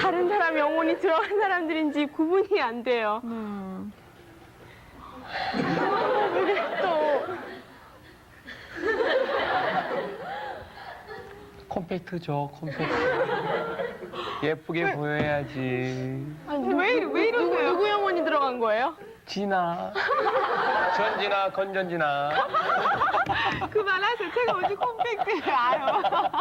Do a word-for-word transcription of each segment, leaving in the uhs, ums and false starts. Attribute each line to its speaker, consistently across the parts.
Speaker 1: 다른 사람 영혼이 들어간 사람들인지 구분이 안 돼요.
Speaker 2: 음.
Speaker 1: 왜 그래 또.
Speaker 3: 콤팩트죠, 콤팩트. 예쁘게 보여야지.
Speaker 1: 아니, 왜, 이러- 왜 이러세요? 누구, 누구 영혼이 들어간 거예요?
Speaker 3: 진아. 전진아, 건전진아.
Speaker 2: 그만하세요. 제가 어디 콤팩트를 알아요.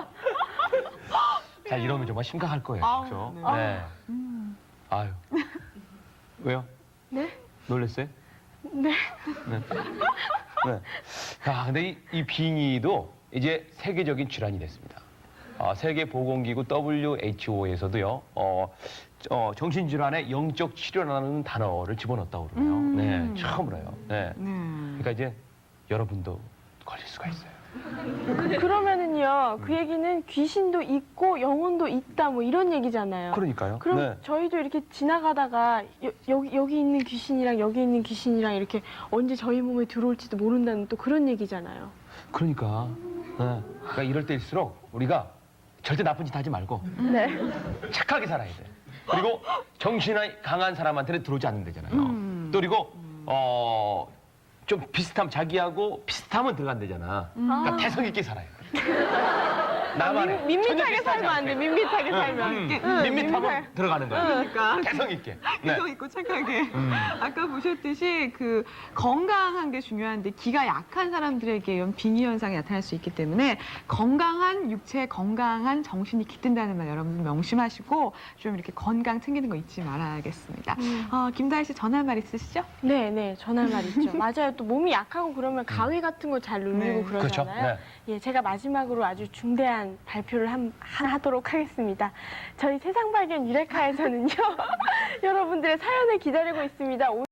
Speaker 3: 자, 이러면 정말 심각할 거예요.
Speaker 2: 아우,
Speaker 3: 그렇죠?
Speaker 2: 네.
Speaker 3: 네. 아유. 왜요?
Speaker 1: 네?
Speaker 3: 놀랬어요?
Speaker 1: 네.
Speaker 3: 네. 네. 자, 근데 이, 이 빙의도 이제 세계적인 질환이 됐습니다. 어, 세계보건기구 더블유 에이치 오에서도요, 어, 어, 정신질환의 영적 치료라는 단어를 집어넣었다고 그러네요.
Speaker 2: 음.
Speaker 3: 네, 처음으로요. 네.
Speaker 2: 네.
Speaker 3: 그러니까 이제 여러분도 걸릴 수가 있어요.
Speaker 1: 그러면은요, 그 얘기는 귀신도 있고 영혼도 있다 뭐 이런 얘기잖아요.
Speaker 3: 그러니까요.
Speaker 1: 그럼
Speaker 3: 네.
Speaker 1: 저희도 이렇게 지나가다가 여, 여기, 여기 있는 귀신이랑 여기 있는 귀신이랑 이렇게 언제 저희 몸에 들어올지도 모른다는 또 그런 얘기잖아요.
Speaker 3: 그러니까, 네. 그러니까 이럴 때일수록 우리가 절대 나쁜 짓 하지 말고
Speaker 1: 네.
Speaker 3: 착하게 살아야 돼. 그리고 정신이 강한 사람한테는 들어오지 않는다잖아요.
Speaker 2: 음.
Speaker 3: 또 그리고 어, 좀 비슷하면 자기하고 비슷하면 들어간대잖아. 그러니까
Speaker 1: 아.
Speaker 3: 태성 있게 살아야 돼. 나만의
Speaker 1: 민, 밋밋하게
Speaker 3: 전혀 비슷하지
Speaker 1: 살면 안 돼.
Speaker 3: 않게.
Speaker 1: 밋밋하게
Speaker 3: 응,
Speaker 1: 살면.
Speaker 3: 응,
Speaker 1: 응,
Speaker 3: 밋밋하면
Speaker 1: 밋밋하게.
Speaker 3: 들어가는 거야.
Speaker 2: 그러니까.
Speaker 3: 태성 있게. 네.
Speaker 2: 태성 있고 착하게.
Speaker 3: 음.
Speaker 2: 아까 보셨듯이 그 건강한 게 중요한데 기가 약한 사람들에게 이런 빙의 현상이 나타날 수 있기 때문에 건강한 육체, 건강한 정신이 깃든다는 말 여러분 명심하시고 좀 이렇게 건강 챙기는 거 잊지 말아야겠습니다.
Speaker 1: 음.
Speaker 2: 어, 김다희 씨 전할 말 있으시죠?
Speaker 1: 네, 네. 전할 말 있죠. 맞아요. 또 몸이 약하고 그러면 가위 같은 거 잘 눌리고
Speaker 2: 네.
Speaker 3: 그렇죠.
Speaker 1: 그러잖아요.
Speaker 3: 네.
Speaker 1: 예, 제가 마지막으로 아주 중대한 발표를 한, 하도록 하겠습니다. 저희 세상발견 유레카에서는요, 여러분들의 사연을 기다리고 있습니다.